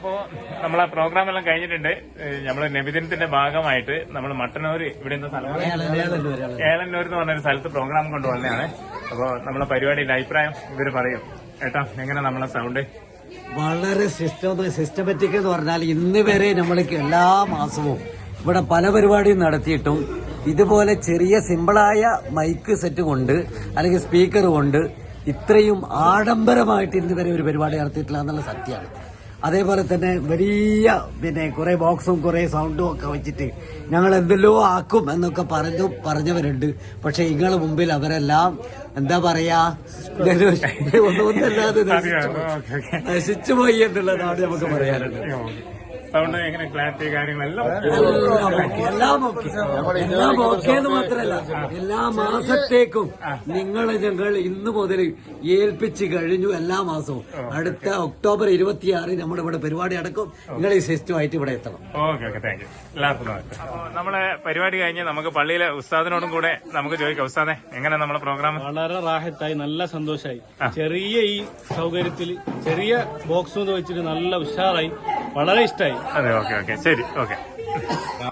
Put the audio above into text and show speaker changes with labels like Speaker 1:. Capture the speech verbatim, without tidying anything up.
Speaker 1: അപ്പോ നമ്മളെ പ്രോഗ്രാം എല്ലാം കഴിഞ്ഞിട്ടുണ്ട്. നമ്മള് നബിദിനത്തിന്റെ ഭാഗമായിട്ട് നമ്മൾ മട്ടന്നൂർ ഇവിടെ എന്താ സ്ഥലം ഏളന്നൂർ എന്ന് പറഞ്ഞൊരു സ്ഥലത്ത് പ്രോഗ്രാം കൊണ്ടുവന്നതാണ്. അപ്പോ നമ്മളെ പരിപാടിയുടെ അഭിപ്രായം ഇവര് പറയും. ഏട്ടാ, എങ്ങനെ നമ്മളെ സൗണ്ട്?
Speaker 2: വളരെ സിസ്റ്റം സിസ്റ്റമാറ്റിക് എന്ന് പറഞ്ഞാൽ ഇന്ന് വരെ നമ്മൾക്ക് എല്ലാ മാസവും ഇവിടെ പല പരിപാടിയും നടത്തിയിട്ടും ഇതുപോലെ ചെറിയ സിമ്പിളായ മൈക്ക് സെറ്റ് കൊണ്ട് അല്ലെങ്കിൽ സ്പീക്കർ കൊണ്ട് ഇത്രയും ആഡംബരമായിട്ട് ഇന്ന് വരെ ഒരു പരിപാടി നടത്തിയിട്ടില്ല എന്നുള്ള സത്യമാണ്. അതേപോലെ തന്നെ വലിയ പിന്നെ കുറെ ബോക്സും കുറെ സൗണ്ടും ഒക്കെ വെച്ചിട്ട് ഞങ്ങൾ എന്തെല്ലോ ആക്കും എന്നൊക്കെ പറഞ്ഞു പറഞ്ഞവരുണ്ട്. പക്ഷെ ഇങ്ങളെ മുമ്പിൽ അവരെല്ലാം എന്താ പറയാ ഒന്നല്ലാതെ നശിച്ചു പോയി എന്നുള്ളതാണ് നമുക്ക് പറയാനുള്ളത്.
Speaker 1: സൗണ്ട് എങ്ങനെ ക്ലാരിറ്റി കാര്യങ്ങളെല്ലാം
Speaker 2: എല്ലാം ഓക്കെ എല്ലാം ഓക്കെ എന്ന് മാത്രമല്ല എല്ലാ മാസത്തേക്കും നിങ്ങളെ ഞങ്ങൾ ഇന്ന് മുതൽ ഏൽപ്പിച്ച് കഴിഞ്ഞു. എല്ലാ മാസവും അടുത്ത ഒക്ടോബർ ഇരുപത്തിയാറ് നമ്മുടെ ഇവിടെ പരിപാടി അടക്കും. നിങ്ങൾ ഈ സിസ്റ്റമായിട്ട് ഇവിടെ എത്തണം.
Speaker 1: Okay okay thank you. എല്ലാവർക്കും നമ്മളെ പരിപാടി കഴിഞ്ഞ് നമുക്ക് പള്ളിയിലെ ഉസ്താദിനോടും കൂടെ നമുക്ക് ചോദിക്കാം. ഉസ്താദെ, എങ്ങനെ നമ്മളെ പ്രോഗ്രാം?
Speaker 3: വളരെ റാഹത്തായി, നല്ല സന്തോഷമായി. ചെറിയ ഈ സൗകര്യത്തിൽ ചെറിയ ബോക്സ് വെച്ചിട്ട് നല്ല ഉഷാറായി, വളരെ ഇഷ്ടമായി.
Speaker 1: അതെ, ഓക്കെ ഓക്കെ ശരി, ഓക്കെ.